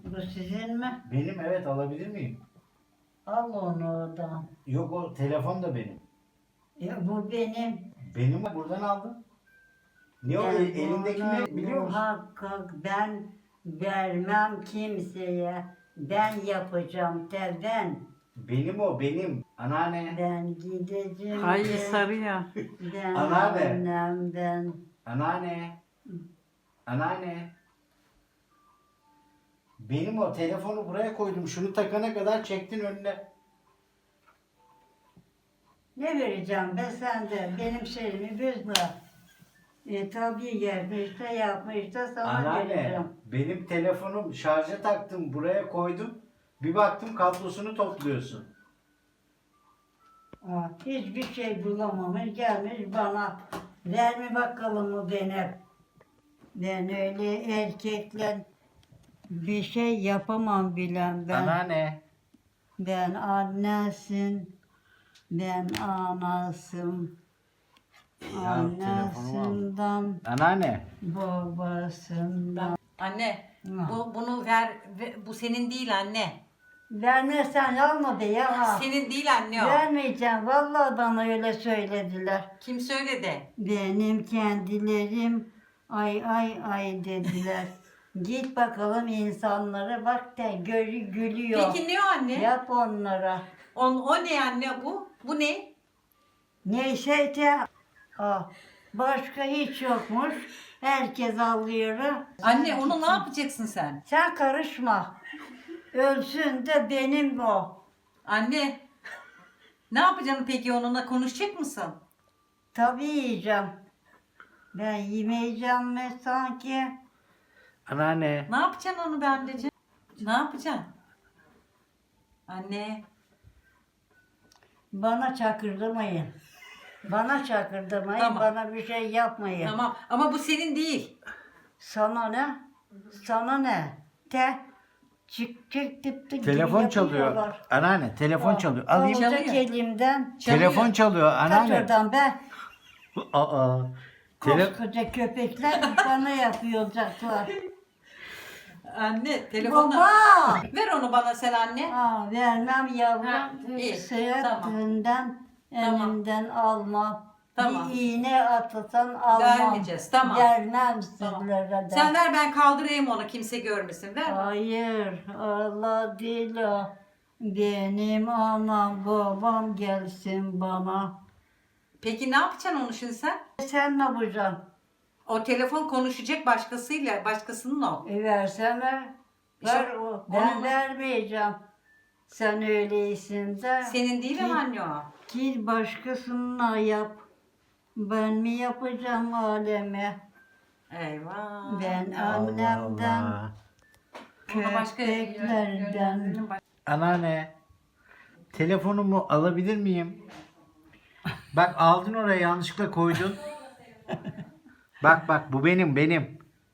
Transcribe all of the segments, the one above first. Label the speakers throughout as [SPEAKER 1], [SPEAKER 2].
[SPEAKER 1] Bu sizin mi?
[SPEAKER 2] Benim, evet, alabilir miyim?
[SPEAKER 1] Al onu oradan.
[SPEAKER 2] Yok, o telefon da benim.
[SPEAKER 1] Ya bu benim.
[SPEAKER 2] Benim, buradan aldım. Niye o elindeki ne biliyor musun?
[SPEAKER 1] Muhakkak ben vermem kimseye. Ben yapacağım ben.
[SPEAKER 2] Benim o, benim. Anneanne.
[SPEAKER 1] Ben gideceğim.
[SPEAKER 3] Ay
[SPEAKER 1] de,
[SPEAKER 3] sarı ya.
[SPEAKER 1] Ben
[SPEAKER 2] Anneanne.
[SPEAKER 1] annem ben.
[SPEAKER 2] Anneanne. Anneanne. Benim o, telefonu buraya koydum. Şunu takana kadar çektin önüne.
[SPEAKER 1] Ne vereceğim be sen de benim şeyimi bozma. Tabii gelmiş de yapmış da sana
[SPEAKER 2] Anneanne,
[SPEAKER 1] vereceğim.
[SPEAKER 2] benim telefonum şarja taktım, buraya koydum. Bir baktım kablosunu topluyorsun.
[SPEAKER 1] Hiçbir şey bulamamış gelmiş bana. Ver mi bakalım o benim. Ben öyle erkekle bir şey yapamam bilen ben.
[SPEAKER 2] Anneanne.
[SPEAKER 1] Ben annesin. Ben anasım.
[SPEAKER 2] Ya,
[SPEAKER 1] Annesinden,
[SPEAKER 2] Anneanne.
[SPEAKER 1] babasından.
[SPEAKER 3] Anne,
[SPEAKER 1] Ha.
[SPEAKER 3] bunu ver, bu senin değil anne.
[SPEAKER 1] Vermezsen alma be ya.
[SPEAKER 3] Senin değil anne o.
[SPEAKER 1] Vermeyeceğim. Vallahi bana öyle söylediler.
[SPEAKER 3] Kim söyledi?
[SPEAKER 1] Benim kendilerim ay ay ay dediler. Git bakalım insanlara bak da gülüyor.
[SPEAKER 3] Peki ne o anne?
[SPEAKER 1] Yap onlara.
[SPEAKER 3] O ne anne bu? Bu ne?
[SPEAKER 1] Neyse de başka hiç yokmuş. Herkes alıyor.
[SPEAKER 3] Anne onu ne yapacaksın sen?
[SPEAKER 1] Sen karışma. Ölsün de benim o.
[SPEAKER 3] Anne, ne yapacaksın peki onunla konuşacak mısın?
[SPEAKER 1] Tabii yiyeceğim. Ben yemeyeceğim mi sanki?
[SPEAKER 2] Anneanne.
[SPEAKER 3] Ne yapacaksın onu be anneciğim? Ne yapacaksın? Anne,
[SPEAKER 1] Bana çakırdamayın. Bana çakırdamayın.
[SPEAKER 3] Tamam.
[SPEAKER 1] Bana bir şey yapmayın.
[SPEAKER 3] tamam ama bu senin değil.
[SPEAKER 1] Sana ne? Sana ne? Çık tıp gibi
[SPEAKER 2] Telefon çalıyor.
[SPEAKER 1] yapıyorlar.
[SPEAKER 2] Anneanne, telefon çalıyor. Alayım.
[SPEAKER 3] Çalıyor.
[SPEAKER 1] Alacak elimden.
[SPEAKER 2] Telefon çalıyor
[SPEAKER 1] Kaç
[SPEAKER 2] anneanne.
[SPEAKER 1] oradan be.
[SPEAKER 2] Aa.
[SPEAKER 1] Koskoca köpekler bana yapıyorlar.
[SPEAKER 3] Anne, telefonla.
[SPEAKER 1] Baba!
[SPEAKER 3] Ver onu bana sen anne.
[SPEAKER 1] Vermem
[SPEAKER 3] Ha,
[SPEAKER 1] yavrum.
[SPEAKER 3] iyi,
[SPEAKER 1] Sıhhatinden
[SPEAKER 3] Tamam.
[SPEAKER 1] elimden alma.
[SPEAKER 3] Tamam.
[SPEAKER 1] Bir iğne atırsan almam.
[SPEAKER 3] Vermeyeceğiz, tamam.
[SPEAKER 1] Vermem
[SPEAKER 3] Tamam.
[SPEAKER 1] sizlere de.
[SPEAKER 3] Sen ver ben kaldırayım onu kimse görmesin. Ver.
[SPEAKER 1] Hayır, Allah değil o. Benim anam babam gelsin bana.
[SPEAKER 3] Peki ne yapacaksın onu şimdi sen?
[SPEAKER 1] Sen ne yapacaksın?
[SPEAKER 3] O telefon konuşacak başkasıyla, başkasının o.
[SPEAKER 1] Versene.
[SPEAKER 3] İşte
[SPEAKER 1] Ver o. Ben
[SPEAKER 3] onu-
[SPEAKER 1] vermeyeceğim. Sen öyleysin de.
[SPEAKER 3] Senin değil ama anne o.
[SPEAKER 1] Git başkasına yap. Ben mi yapacağım aleme?
[SPEAKER 3] Eyvah.
[SPEAKER 1] Ben annemden,
[SPEAKER 2] Allah.
[SPEAKER 3] Ona başka
[SPEAKER 1] köpeklerden.
[SPEAKER 2] Anneanne. Telefonumu alabilir miyim? Bak, aldın oraya, yanlışlıkla koydun. Bak bu benim.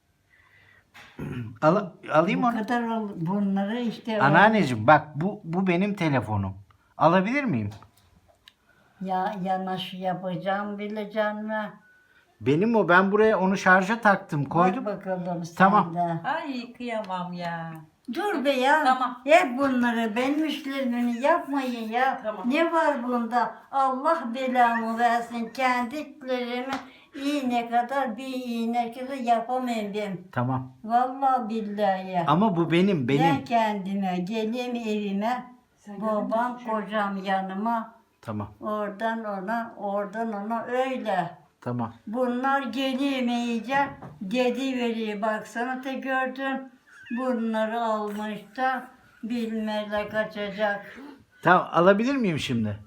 [SPEAKER 2] Alayım
[SPEAKER 1] Bu
[SPEAKER 2] onu.
[SPEAKER 1] kadar bunları işte
[SPEAKER 2] Anneanneciğim, bak bu benim telefonum. Alabilir miyim?
[SPEAKER 1] yanaş yapacağım bileceksin mi?
[SPEAKER 2] Benim o, ben buraya onu şarja taktım, koydum.
[SPEAKER 1] Bak bakalım sen
[SPEAKER 2] Tamam.
[SPEAKER 1] de.
[SPEAKER 3] Ay kıyamam ya.
[SPEAKER 1] Dur be ya.
[SPEAKER 3] Tamam.
[SPEAKER 1] Hep bunları benim işlerimi yapmayın ya.
[SPEAKER 3] Tamam.
[SPEAKER 1] Ne var bunda? Allah belamı versin. Kendiklerimi iğne kadar bir iğne kadar yapamayayım ben.
[SPEAKER 2] Tamam.
[SPEAKER 1] Vallahi billahi.
[SPEAKER 2] Ama bu benim.
[SPEAKER 1] Ben kendime geleyim evime. Babam kocam yanıma.
[SPEAKER 2] Tamam.
[SPEAKER 1] Oradan ona öyle.
[SPEAKER 2] Tamam.
[SPEAKER 1] Bunlar gelemeyince dedi veriyor. Baksana te gördün. Bunları almış da bilmele kaçacak.
[SPEAKER 2] Tamam, alabilir miyim şimdi?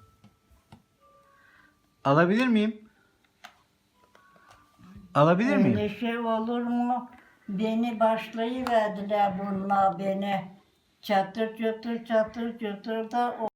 [SPEAKER 2] Alabilir miyim? Alabilir miyim?
[SPEAKER 1] Öyle şey olur mu? Beni başlayıverdiler bunlar beni. Çatır çatır da